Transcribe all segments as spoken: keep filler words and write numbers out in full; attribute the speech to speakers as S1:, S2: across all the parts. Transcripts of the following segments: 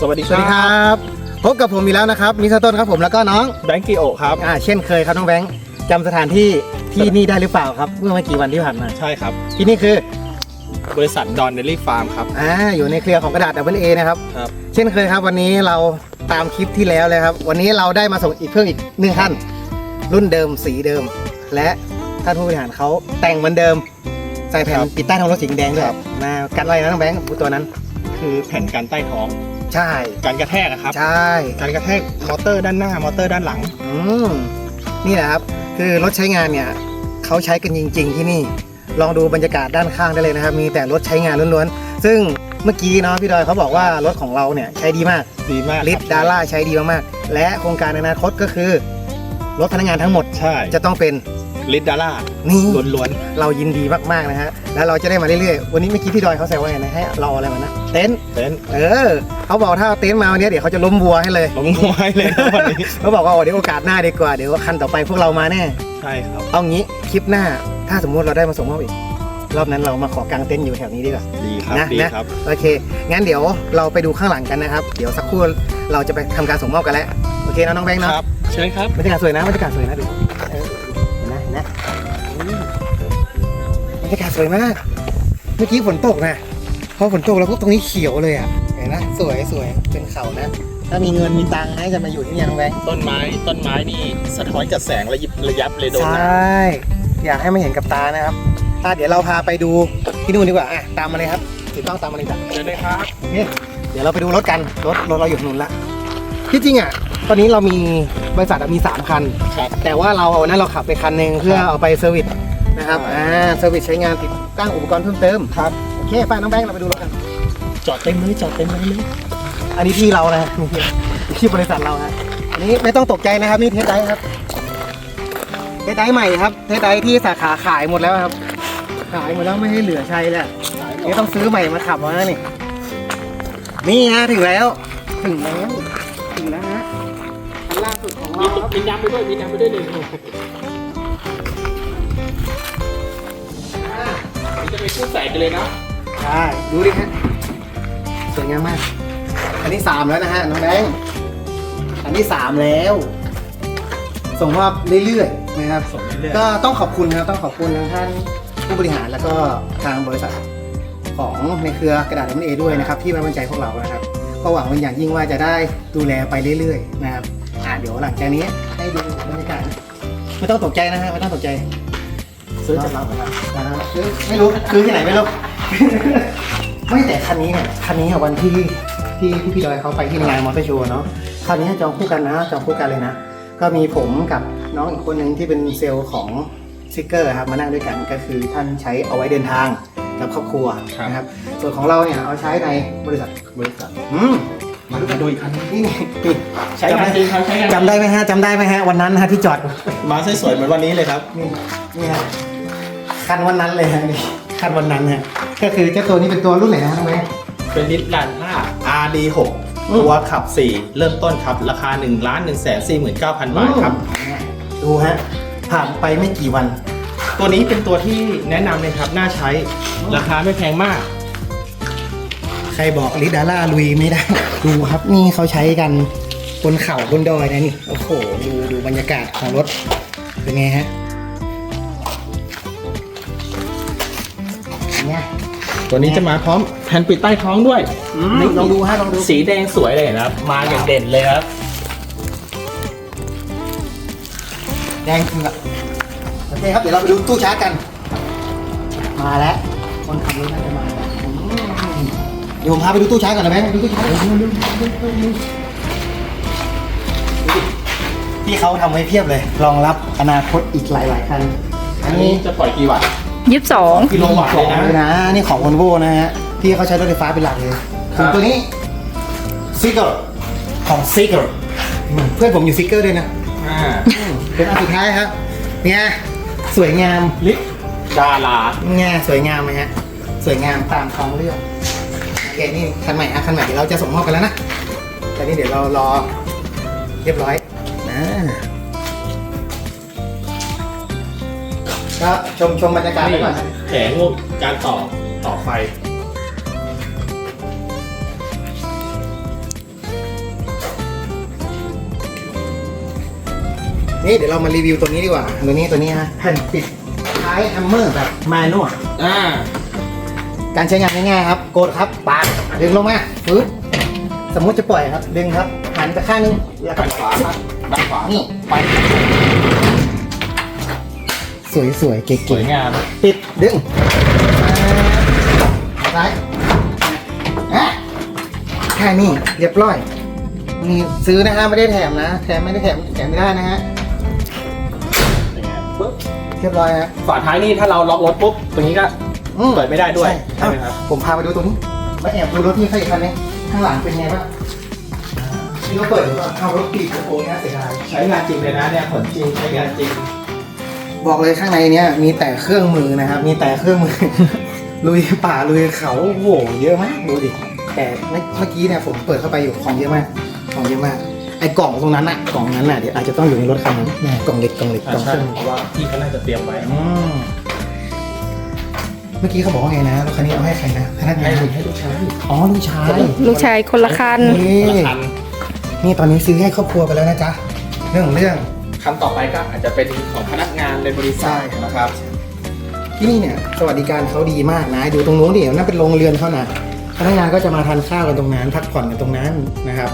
S1: วัสดี
S2: สวัสดีครับพบกับผมอีกแล้วนะครับมิสเตอร์ต้นครับผมแล้วก็น้อง
S1: แบงค์กิโอครับ
S2: อ่าเช่นเคยครับน้องแบงค์จำสถานที่ที่นี่ได้หรือเปล่าครับเมื่อไม่กี่วันที่ผ่านมา
S1: ใช่ครับ
S2: ที่นี่คือบ
S1: ริษัทดอนเดลี่ฟาร์มครับ
S2: อ่าอยู่ในเครือของกระดาษ ดับเบิลเอ นะครับ
S1: ครับ
S2: เช่นเคยครับวันนี้เราตามคลิปที่แล้วเลยครับวันนี้เราได้มาส่งอีกเพิ่มอีกหนึ่งท่านรุ่นเดิมสีเดิมและท่านผู้บริหารเขาแต่งเหมือนเดิมใส่แผ่นปิดใต้ท้องรถสีแดงด้วยนะกันอะไรนะน้องแบงค์ตัวนั้น
S1: คือแผ่นกันใต้ท้อง
S2: ใช่
S1: การกระแทกนะครับ
S2: ใช่
S1: การกระแทกมอเตอร์ด้านหน้ามอเตอร์ด้านหลัง
S2: อืมนี่แหละครับคือรถใช้งานเนี่ยเขาใช้กันจริงๆที่นี่ลองดูบรรยากาศด้านข้างได้เลยนะครับมีแต่รถใช้งานล้วนๆซึ่งเมื่อกี้เนาะพี่ดอยเขาบอกว่ารถของเราเนี่ยใช้ดีมาก
S1: ดีมาก
S2: ลิฟดาร่าใช้ดีมากๆและโครงการในอนาคตก็คือรถพนักงานทั้งหมด
S1: ใช่
S2: จะต้องเป็น
S1: ลิฟดาร่า
S2: นี่
S1: ล้วน
S2: ๆเรายินดีมากๆนะฮะแล้วเราจะได้มาเรื่อยๆวันนี้เมื่อกี้พี่ดอยเขาแซวว่าไงนะให้เราอะไรมานะเต็นท์
S1: เต็นท์
S2: เออเขาบอกถ้าเต็นท์มาวันนี้เดี๋ยวเขาจะล้มวัวให้เลย
S1: ล้มวัวให้เลยวันนี้
S2: เขาบอกว่าเดี๋ยวโอกาสหน้าดีกว่าเดี๋ยวคันต่อไปพวกเรามาแน่
S1: ใช่ครับ
S2: เอางี้คลิปหน้าถ้าสมมุติเราได้มาส่งมอบอีกรอบนั้นเรามาขอกางเต็นท์อยู่แถวนี้ดีกว่า
S1: ดีครับ
S2: นะ
S1: ดีครับ
S2: โอเคงั้นเดี๋ยวเราไปดูข้างหลังกันนะครับเดี๋ยวสักครู่เราจะไปทำการส่งมอบกันแล้วโอเคนะน้องแบงค์เนาะ
S1: ครับเชิญครับ
S2: บรรยากาศสวยนะบรรยากาศสวยนะดูเออเห็นนะเห็นนะบรรยากาศสวยมากเมื่อกี้ฝนตกนะพอฝนตกแล้วพวกตรงนี้เขียวเลยอ่ะเห็นนะสวยสวยเป็นเขานะถ้ามีเงินมีตังค์นะจะมาอยู่ที่นี่น้องแบงค์
S1: ต้นไม้ต้นไม้นี่สะท้อนกับแสงระยิบระยับเลยโดน
S2: ใช่อยากให้มาเห็นกับตานะครับถ้าเดี๋ยวเราพาไปดูที่นู่นดีกว่าอ่ะตามมาเลยครับถูกต้องตามมาเลยจ้ะ
S1: เชิญเลยครับ
S2: นี่เดี๋ยวเราไปดูรถกันรถรถเราอยู่ถนนละที่จริงอ่ะตอนนี้เรามีบริษัทมีสามคันแต่ว่าเราเอานั้นเราขับไปคันหนึ่งเพื่อเอาไปเซอร์วิสนะครับอ่าเซอร์วิสใช้งานติดตั้งอุปกรณ์เพิ่มเติม
S1: ครับ
S2: โอเคไปน้องแบงค์เราไปดูรถกัน
S1: จอดเต็มเลยจอดเต็มเลย
S2: อันนี้ที่เรานะที่บริษัทเราฮะอันนี้ไม่ต้องตกใจนะครับนี่เทสไดครับเทสไดใหม่ครับเทสไดที่สาขาขายหมดแล้วครับขายหมดแล้วไม่ให้เหลือใช้แล้วนี่ต้องซื้อใหม่มาขับแล้วนี่นี่ฮะถึงแล้วถึงแล้วถึงแล้วฮะคันล่าสุดของเราครับ
S1: มีน้ำไปด้วยมีน้ำไปด้วยเลยจะไปคู่ใส่กันเลยนะ
S2: ใช่ดูดิฮะสวยงามมากอันนี้สามแล้วนะฮะน้องแบงค์อันนี้สามแล้วส่งมอบเรื่อยๆนะครับก็ต้องขอบคุณนะครับต้องขอบคุณทางท่านผู้บริหารแล้วก็ทางบริษัทของในเครือกระดาษ ดับเบิลเอ ด้วยนะครับที่ไว้วางใจพวกเรานะครับก็หวังเป็นอย่างยิ่งว่าจะได้ดูแลไปเรื่อยๆนะครับอ่าเดี๋ยวหลังจากนี้ให้ดูบรรยากาศไม่ต้องตกใจนะฮะไม่ต้องตกใจซื้อจากเราครับซื้อไม่รู้ซื้อที่ไหนไม่รู้ไม่แต่คันนี้เนี่ยคันนี้วันที่ที่พี่พี่ดอยเขาไปที่งานมอเตอร์โชว์เนาะคันนี้จองคู่กันนะจองคู่กันเลยนะก็มีผมกับน้องอีกคนหนึ่งที่เป็นเซลล์ของซิกเกอร์ครับมานั่งด้วยกันก็คือท่านใช้เอาไว้เดินทางกับครอบครัวนะครับส่วนของเราเนี่ยเอาใช้ในบริษัท
S1: บริษัท
S2: อืม
S1: มาดูกันดูอีกคันนี่
S2: นี่
S1: ใช้งานจริงครับใช้งาน
S2: จำได้ไหมฮะจำได้ไหมฮะวันนั้นฮะที่จอด
S1: มาสวยๆเหมือนวันนี้เลยครับ
S2: นี่นี่ฮะคันวันนั้นเลยฮะนี่คันวันนั้นฮะก็คือเจ้าตัวนี้เป็นตัวรุ่นไหนนะน้องแม่
S1: เป็นลิตรลันห้า อาร์ ดี หก ตัวขับสี่เริ่มต้นครับราคา หนึ่งล้านหนึ่งแสนสี่หมื่นเก้าพัน บาทครับ
S2: ดูฮะผ่านไปไม่กี่วัน
S1: ตัวนี้เป็นตัวที่แนะนำเลยครับน่าใช้ราคาไม่แพงมาก
S2: ใครบอกลิดาร่าลุยไม่ได้ดูครับนี่เขาใช้กันบนเขาบนดอยนะนี่โอ้โหดูดูบรรยากาศของรถเป็นไงฮะเนี่ย
S1: ตัวนี้จะมาพร้อมแผ่นปิดใต้ท้องด้วย
S2: ลองดูฮะลองดู
S1: สีแดงสวยเลยนะครับมาอย่างเด่นเลยครับ
S2: แดงคือแบบโอเคครับเดี๋ยวเราไปดูตู้ชาร์จกันมาแล้วคนขับรถน่าจะมาเดี๋ยวผมพาไปดูตู้ชาร์จก่อนนะแม่ดูตู้ชาร์จที่เขาทำไว้เพียบเลยรองรับอนาคตอีกหลายๆคัน
S1: อันนี้จะปล่อยกี่วัตต์
S3: ยี่สิบสอง
S1: กิโลวัตต์
S2: เลยนะนี่ของ Volvo นะฮะที่เขาใช้รถไฟฟ้าเป็นหลักเลยส่วนตัวนี้ซิกเกอร์ของซิกเกอร์เพื่อนผมอยู่ซิกเกอร์ด้วยนะเป็นอันสุดท้ายครับเนี่ยสวยงาม
S1: ลิฟดารา
S2: เนี่ยสวยงามไหมฮะสวยงามตามท้องเรื่องโอเคนี่คันใหม่อ่ะคันใหม่เราจะส่งมอบกันแล้วนะแต่นี่เดี๋ยวเรารอเรียบร้อยนะก็ชมชมบรรยากาศไปก่อน
S1: แผงการต่อต่อไฟ
S2: นี่เดี๋ยวเรามารีวิวตัวนี้ดีกว่าตัวนี้ตัวนี้ฮะแผ่นปิดท้ายแฮมเมอร์แบบแมนนวล
S1: อ่า
S2: การใช้งานง่ายๆครับกดครับปาดดึงลงมาปึ๊บสมมุติจะปล่อยครับดึงครับหันไปข้างนึงแล้วก็
S1: ด้านขวาครับด้านขวา
S2: นี่
S1: ไป
S2: สวยๆเก๋
S1: สวยงาม
S2: ๆปิดดึงซ้ายอ่ะแค่นี้เรียบร้อยนี่ซื้อนะฮะไม่ได้แถมนะแถมไม่ได้แถมแถมไม่ได้นะฮะ
S1: ปึ๊บ
S2: เรียบร้อยฮะ
S1: ฝาท้ายนี่ถ้าเราล็อกรถปุ๊บตรงนี้ก็
S2: อืม
S1: เปิดไม่ได้ด้วย
S2: ใช่
S1: ใช่ไหมครับ
S2: ผมพาไปดูตรงนี้มาแอบดูรถที่ใครอีกคันนึงข้างหลังเป็นไงบ้างนี่เขาเปิดหรือเปล่าเอารถปีกกระโปรงนะเสียดาย
S1: ใช้งานจริงเลยนะเนี่ยผลจริงใช้งานจริง
S2: บอกเลยข้างในเนี้ยมีแต่เครื่องมือนะครับ มีแต่เครื่องมือ ลุยป่าลุยเขาโอ้โหเยอะมากดูดิแต่เมื่อกี้เนี่ยผมเปิดเข้าไปอยู่ของเยอะมากของเยอะมากไอ้กล่องตรงนั้นอะกล่องนั้นอะเดี๋ยวอาจจะต้องอยู่ในรถคันนั้นแน่กล่องเล็กกล่องเล็กกล่อง
S1: ใช่
S2: เครื่อง
S1: เพราะว่าพี่เขาน่าจะเตรียมไว้
S2: อืมเมื่อกี้เขาบอกว่าไงนะรถคันนี้เอาให้ใครนะพนักงา
S1: ให้
S2: น
S1: ให้ลูกชาย
S2: อ๋อลูกชาย
S3: ลูกชายคนละคัน
S2: นี่
S1: คนละคัน
S2: นี่ตอนนี้ซื้อให้ครอบครัวไปแล้วนะจ๊ะเรื่องของเรื่อง
S1: คันต่อไปก็อาจจะเป็นของพนักงานในบริษัท
S2: ใช่
S1: นะครับ
S2: ที่นี่เนี่ยสวัสดิการเขาดีมากนะดูตรงนู้นดินั่นเป็นโรงเรือนเขานะพนักงานก็จะมาทานข้าวกันตรงนั้นพักผ่อนกันตรงนั้นนะครับ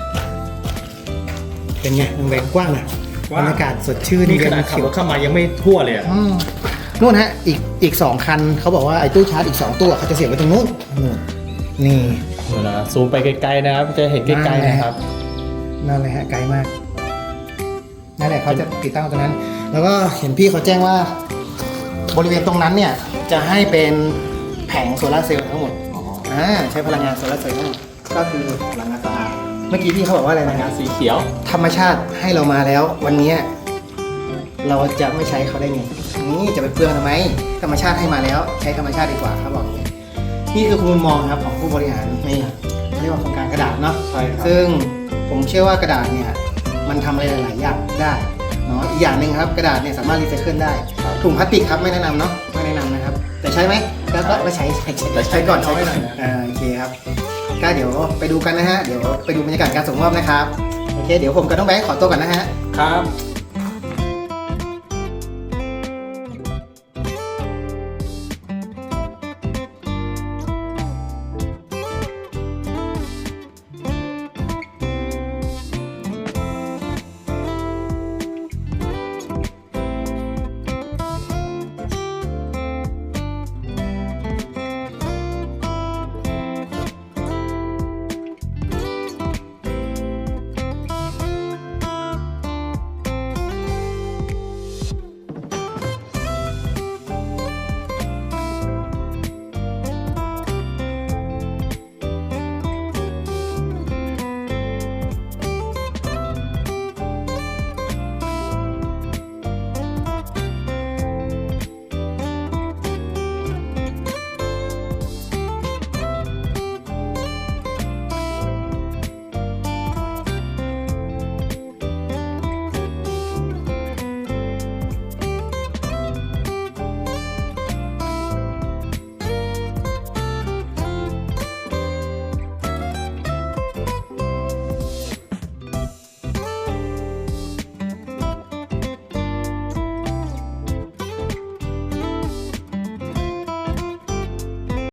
S2: เป็นไงโรงแรมกว้างนะบรรยากาศสดชื่น
S1: นี่ขนาดขับรถเข้ามายังไม่ทั่วเลยอะ
S2: อืมนู่นฮะอีกอีกสองคันเขาบอกว่าไอ้ตู้ชาร์จอีกสองตู้เขาจะเสียบไว้ตรงนู้นนู่นนี่
S1: เดี๋ยวนะซูมไปไกลๆนะครับจะเห็นไกลๆนะครับ
S2: นั่นเลยฮะไกลมากนั่นแหละเขาจะติดตั้งตรงนั้น แล้วก็เห็นพี่เขาแจ้งว่า บริเวณตรงนั้นเนี่ยจะให้เป็นแผงโซลาร์เซลล์ทั้งหมดอ่าใช้พลังงานโซลาร์เซลล์ทั้งหมดก็คือพลังงานสะอาดเมื่อกี้พี่เขาบอกว่าอะไร
S1: พลัง
S2: นะ
S1: งานสีเขียว
S2: ธรรมชาติให้เรามาแล้ว วันนี้เราจะไม่ใช้เขาได้ไงนี่จะไปเปลืองทำไมธรรมชาติให้มาแล้ว ใช้ธรรมชาติดีกว่าครับบอกอย่างนี้นี่คือมุมมองครับของผู้บริหารนี่เขาเรียกว่าโครงการกระดาษเนาะ
S1: ใช่ครับ
S2: ซึ่งผมเชื่อว่ากระดาษเนี่ยมันทำอะไรหลายๆอย่างได้เนาะอีกอย่างหนึ่งครับกระดาษเนี่ยสามารถรีไซเคิลได้ถุงพลาสติกครับไม่แนะนำเนาะไม่แนะนำนะครับ แต่ใช้ไหมแล้วก็ไม่ใช้ใช้ใช้
S1: แต่ใช้
S2: ใช้ก่อน
S1: น้อย
S2: ใช้
S1: หน่
S2: ก่
S1: อ
S2: อย น
S1: นะ
S2: อ่าโอเคครับก็เดี๋ยวไปดูกันนะฮะเดี๋ยวไปดูบรรยากาศการส่งมอบนะครับโอเคเดี๋ยวผมกับน้องแบงค์ขอตัวก่อนนะฮะ
S1: ครับ